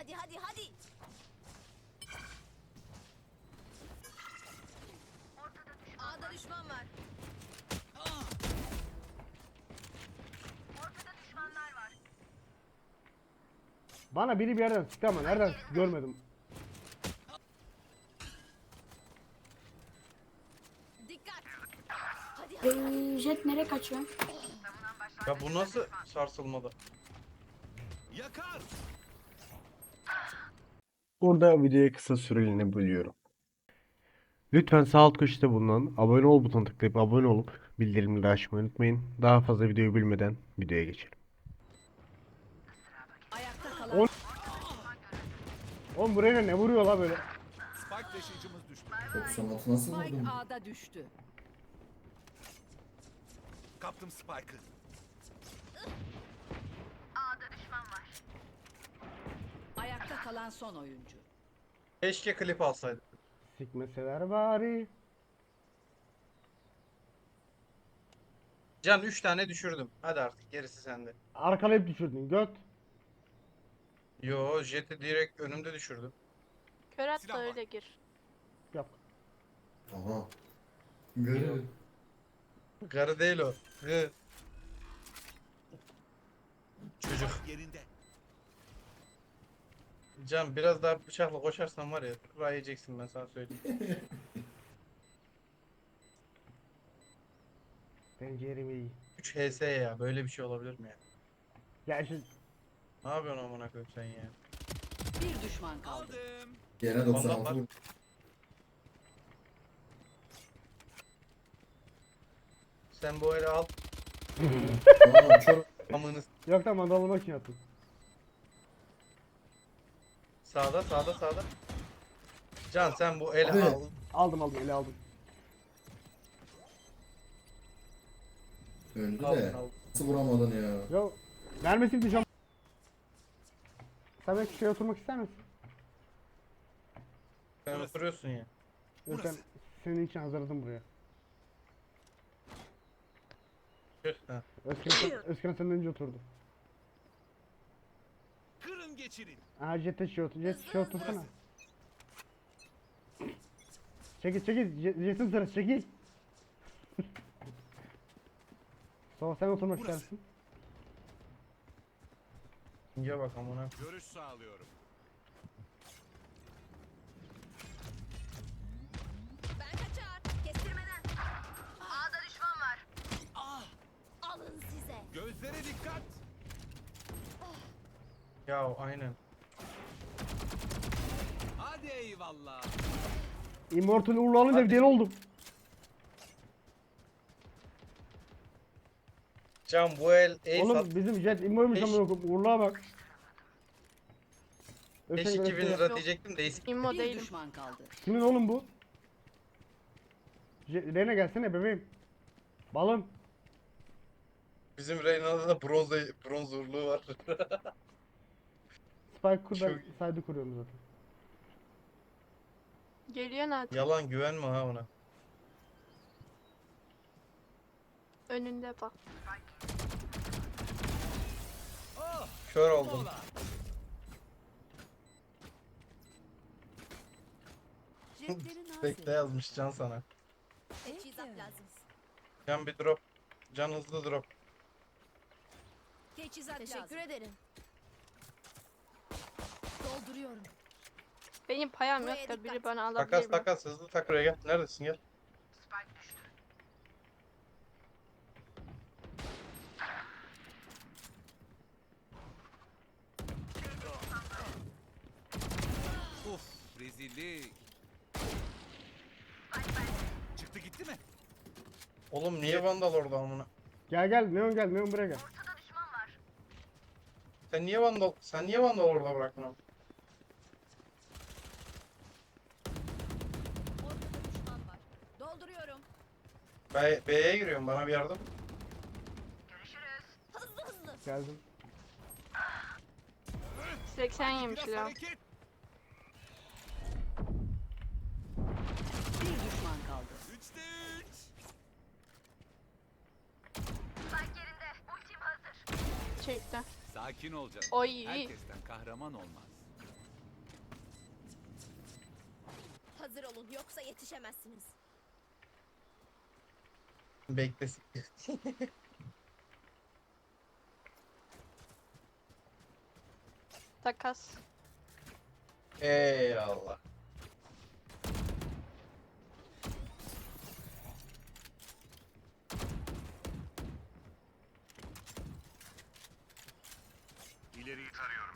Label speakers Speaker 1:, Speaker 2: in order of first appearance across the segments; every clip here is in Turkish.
Speaker 1: Hadi hadi hadi. A'da düşman var. Ortada düşmanlar var.
Speaker 2: Bana biri bir yerden sıktı ama nereden sıktı görmedim.
Speaker 1: Dikkat. Hadi hadi.
Speaker 3: Jet nereye kaçıyor?
Speaker 4: Ya bu nasıl sarsılmadı?
Speaker 5: Yakar.
Speaker 6: Burada videoyu kısa süreliğine bölüyorum. Lütfen sağ alt köşede bulunan abone ol butonuna tıklayıp abone olup bildirimleri açmayı unutmayın. Daha fazla videoyu bilmeden videoya geçelim.
Speaker 1: Ayakta kalan
Speaker 2: Oğlum buraya ne vuruyor la böyle?
Speaker 5: Spike taşıyıcımız düştü.
Speaker 7: 96 nasıl
Speaker 1: Spike
Speaker 7: vurdun?
Speaker 1: A'da düştü.
Speaker 5: Kaptım Spike'ı.
Speaker 1: Ayakta kalan son oyuncu.
Speaker 4: Keşke klip alsaydık.
Speaker 2: Sikmeseler bari.
Speaker 4: Can 3 tane düşürdüm. Hadi artık gerisi sende.
Speaker 2: Arkalayıp düşürdün göt.
Speaker 4: Yo, Jet'i direkt önümde düşürdüm.
Speaker 3: Kör at
Speaker 5: Silah
Speaker 3: da
Speaker 5: var.
Speaker 3: öyle gir.
Speaker 2: Yok.
Speaker 7: Aha. Görüyorum.
Speaker 4: Karı değil o. Hı. Çocuk.
Speaker 5: Spike yerinde.
Speaker 4: Can biraz daha bıçakla koşarsan var ya, kura yiyeceksin, ben sana söyleyeyim.
Speaker 2: Penceremi iyi.
Speaker 4: 3 HS ya, böyle bir şey olabilir mi ya?
Speaker 2: Ya işte
Speaker 4: Ne yapıyorsun amına koyayım sen ya?
Speaker 1: Bir düşman kaldı.
Speaker 5: Aldım.
Speaker 7: Yine 96 vurdum.
Speaker 4: Sen bu eli al.
Speaker 7: Aa, çok
Speaker 4: Amını
Speaker 2: yok da mandalına kim attın?
Speaker 4: sağda sağda sağda. Can sen bu eli
Speaker 7: Abi.
Speaker 4: al.
Speaker 2: Aldım ele aldım.
Speaker 7: öldü
Speaker 4: Aldın
Speaker 7: de.
Speaker 4: aldın.
Speaker 7: Nasıl vuramadın ya?
Speaker 2: Yo mermisi bitti şu an. Sen belki şuraya oturmak ister misin?
Speaker 4: Sen oturuyorsun ya.
Speaker 2: Yok ben senin için hazırladım buraya.
Speaker 4: Tüh, ha.
Speaker 2: Özkan senden önce oturdu.
Speaker 5: Kırın geçirin.
Speaker 2: Aha Jet'e şey otur. Jet şey otursana. Çekil çekil. Jet'in sırası çekil. Sonra sen oturmak
Speaker 5: Burası.
Speaker 2: istersin.
Speaker 4: İnce bak amına.
Speaker 5: Görüş sağlıyorum.
Speaker 1: Ben kaçar. Kestirmeden. A'da düşman var.
Speaker 5: Ah!
Speaker 1: Alın size.
Speaker 5: Gözlere dikkat.
Speaker 4: Ya aynen.
Speaker 5: Hadi eyvallah.
Speaker 2: Immortal uğurlu alınca bir
Speaker 4: Hadi.
Speaker 2: deli oldum.
Speaker 4: Can bu el ace
Speaker 2: Oğlum
Speaker 4: at.
Speaker 2: bizim Jet immoymuş
Speaker 4: Beş-
Speaker 2: ama uğurluğa bak.
Speaker 4: 5
Speaker 2: Özkan
Speaker 4: 2000
Speaker 2: göster.
Speaker 4: lira diyecektim de eski.
Speaker 3: İmmo
Speaker 1: Bir
Speaker 3: değilim.
Speaker 1: düşman kaldı.
Speaker 2: Kimin oğlum bu? Rene gelsene bebeğim. Balım.
Speaker 4: Bizim Reyna'da da bronz uğurluğu var.
Speaker 2: Spike kur ben
Speaker 4: Çok-
Speaker 2: saydı kuruyorum zaten.
Speaker 3: Geliyor Naat.
Speaker 4: Yalan, güvenme ha ona.
Speaker 3: Önünde bak.
Speaker 5: Oh!
Speaker 4: Kör oldum.
Speaker 5: Mola.
Speaker 1: Jetlerin ağzı.
Speaker 4: Bekle yazmış Can sana.
Speaker 1: Teçhizat lazım.
Speaker 4: Can bir drop. Can hızlı drop.
Speaker 1: Teçhizat Teşekkür ederim. Dolduruyorum.
Speaker 3: Benim payam
Speaker 1: Buraya
Speaker 3: yok da biri
Speaker 1: dikkat.
Speaker 3: bana alabilir
Speaker 4: Takas
Speaker 3: mi?
Speaker 4: takas hızlı tak buraya gel. Neredesin gel.
Speaker 5: Uf, rezillik. Çıktı gitti mi?
Speaker 4: Oğlum niye vandal orada amına?
Speaker 2: Gel gel Neon gel Neon buraya gel.
Speaker 4: Sen niye vandal orada bıraktın abi?
Speaker 1: Ortada düşman var. Dolduruyorum.
Speaker 4: B'ye giriyorum, bana bir yardım.
Speaker 1: Hızlı hızlı.
Speaker 2: Geldim.
Speaker 3: 80 yemiş
Speaker 5: Biraz
Speaker 3: ya.
Speaker 5: hareket.
Speaker 1: Bir düşman kaldı.
Speaker 5: 3'te 3.
Speaker 3: Çekti.
Speaker 5: Sakin ol canım.
Speaker 3: Oy.
Speaker 5: Herkesten kahraman olmaz.
Speaker 1: Hazır olun yoksa yetişemezsiniz.
Speaker 4: Beklesin.
Speaker 3: Takas.
Speaker 4: Eyvallah.
Speaker 5: İleriyi tarıyorum.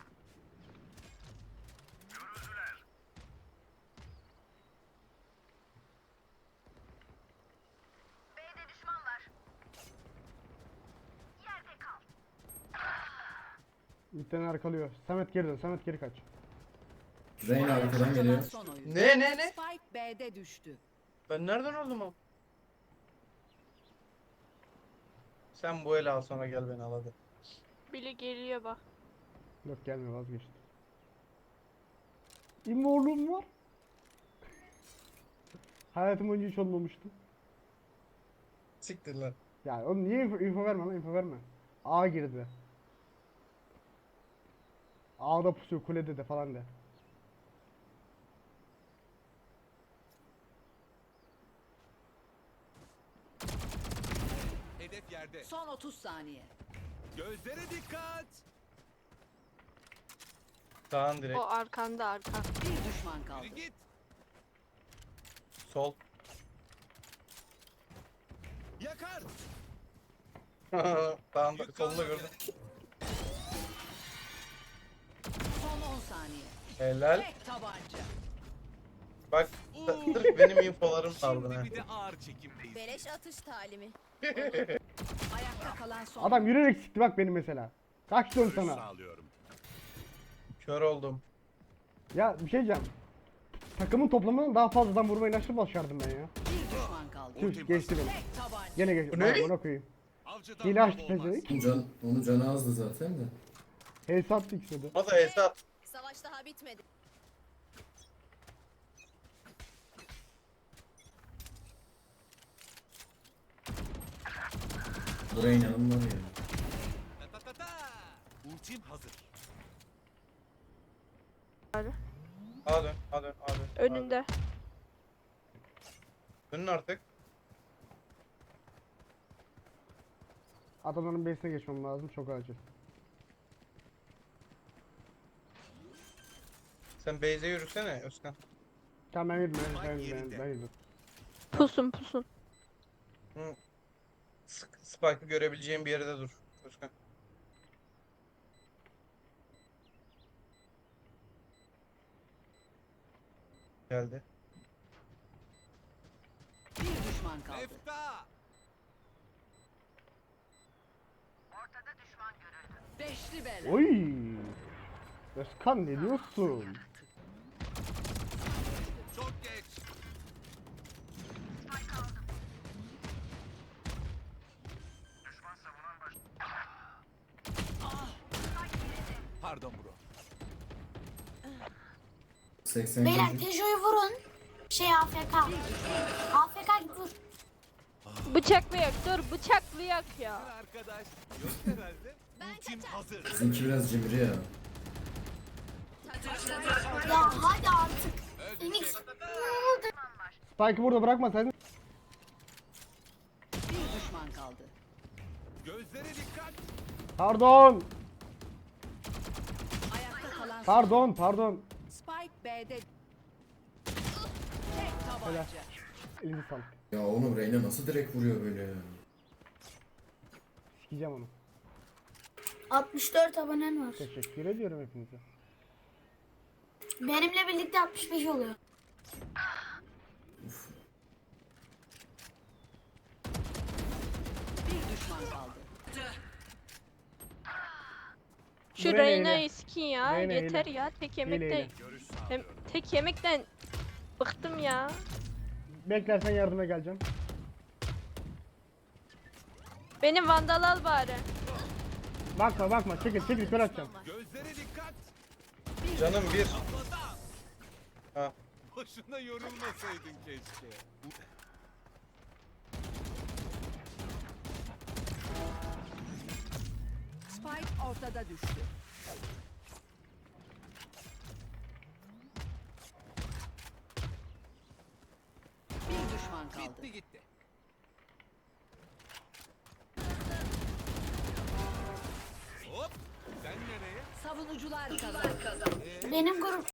Speaker 2: Bir arkalıyor. Samet geri dön. Samet geri kaç.
Speaker 7: Reyna arkadan geliyor.
Speaker 1: Son oyun.
Speaker 4: Ne?
Speaker 1: Spike B'de düştü.
Speaker 4: Ben nereden oldum o? Sen bu eli al sonra gel beni al hadi.
Speaker 3: Biri geliyor bak.
Speaker 2: Yok gelme vazgeçti. İmorluğum var. Hayatım boyunca hiç olmamıştı.
Speaker 4: Siktir lan.
Speaker 2: Ya oğlum niye info verme lan info verme. A girdi. A'da pusuyor kulede de falan de.
Speaker 5: Hedef yerde.
Speaker 1: Son 30 saniye.
Speaker 5: Gözlere dikkat.
Speaker 4: Sağın direkt.
Speaker 3: O arkanda arkan.
Speaker 1: Bir düşman kaldı.
Speaker 5: Yürü git.
Speaker 4: Sol.
Speaker 5: Yakar.
Speaker 4: Sağında solunda gördüm.
Speaker 1: Son 10 saniye.
Speaker 4: Helal.
Speaker 1: Tek tabanca.
Speaker 4: Bak sırf benim infolarım aldın ha.
Speaker 5: Şimdi bir de ağır çekimdeyiz.
Speaker 1: Beleş atış talimi. Ayakta kalan son.
Speaker 2: Adam yürüyerek sikti bak beni mesela. Kaç diyorum sana.
Speaker 5: Sağlıyorum.
Speaker 4: Kör oldum.
Speaker 2: Ya bir şey diyeceğim. Takımın toplamından daha fazladan vurmayı nasıl başardım ben ya.
Speaker 1: Bir düşman kaldı.
Speaker 2: Tüh geçti beni.
Speaker 1: Tek tabanca.
Speaker 2: Gene geçti.
Speaker 4: Bu ne?
Speaker 2: Bak ona koyayım.
Speaker 5: Avcıdan
Speaker 2: Hile açtı
Speaker 5: baba olmaz.
Speaker 2: pezevenk.
Speaker 7: Onun canı azdı zaten de.
Speaker 2: Hesap istedi.
Speaker 4: O da hesap.
Speaker 1: Savaş daha bitmedi.
Speaker 7: Bu Reyna'nın var ya.
Speaker 5: Ta ta ta ta. Ultim hazır.
Speaker 4: A dön, A dön, A dön.
Speaker 3: Önünde.
Speaker 4: Dönün artık.
Speaker 2: Adamların base'ine geçmem lazım çok acil.
Speaker 4: Sen base'e yürüsene Özkan.
Speaker 2: Tamam ben yürüdüm ben yürüdüm.
Speaker 3: Pusun pusun.
Speaker 4: Spike'ı görebileceğim bir yerde dur Özkan. Geldi.
Speaker 1: Bir düşman kaldı.
Speaker 5: Efta.
Speaker 1: Beşli bela.
Speaker 2: Oy! Özkan ne diyorsun?
Speaker 5: Çok geç. Pardon bro.
Speaker 7: 80
Speaker 8: Beyler
Speaker 7: gözü.
Speaker 8: Tejo'yu vurun. AFK. AFK git vur.
Speaker 3: Bıçaklayak dur bıçaklayak ya.
Speaker 5: Arkadaş. Yok herhalde. Ultim hazır.
Speaker 7: Bizimki biraz cimri ya.
Speaker 8: Ya hadi artık. Phoenix.
Speaker 2: Spike'ı burada bırakmasaydın.
Speaker 1: Bir düşman kaldı.
Speaker 5: Gözlere dikkat.
Speaker 2: Pardon.
Speaker 1: Ayakta kalan son.
Speaker 2: Pardon.
Speaker 1: Spike B'de. Tek tabanca.
Speaker 2: Elini sal.
Speaker 7: Ya oğlum Reyna nasıl direkt vuruyor böyle ya?
Speaker 2: Sikeceğim onu.
Speaker 8: 64 abonen var.
Speaker 2: Teşekkür ediyorum hepinize.
Speaker 8: Benimle birlikte 65 oluyor.
Speaker 1: Bir düşman kaldı.
Speaker 3: Şu
Speaker 2: Reyna
Speaker 3: Reyna'yı skin ya.
Speaker 2: Reyna
Speaker 3: Yeter
Speaker 2: hile.
Speaker 3: ya tek
Speaker 2: Hile,
Speaker 3: yemekten.
Speaker 2: hile.
Speaker 5: Görüş
Speaker 3: Hem
Speaker 5: sağlıyorum.
Speaker 3: tek yemekten bıktım ya.
Speaker 2: Beklersen yardıma geleceğim.
Speaker 3: Benim vandal al bari.
Speaker 2: Bakma çekil kör atacağım.
Speaker 5: Gözlere dikkat.
Speaker 4: Canım bir.
Speaker 5: Kafadan.
Speaker 4: Ha.
Speaker 5: Boşuna yorulmasaydın keşke.
Speaker 1: Spike ortada düştü. düşman kaldı.
Speaker 5: Bitti gitti. Hop. Sen nereye?
Speaker 1: Savunucular kazandı.
Speaker 8: Benim grup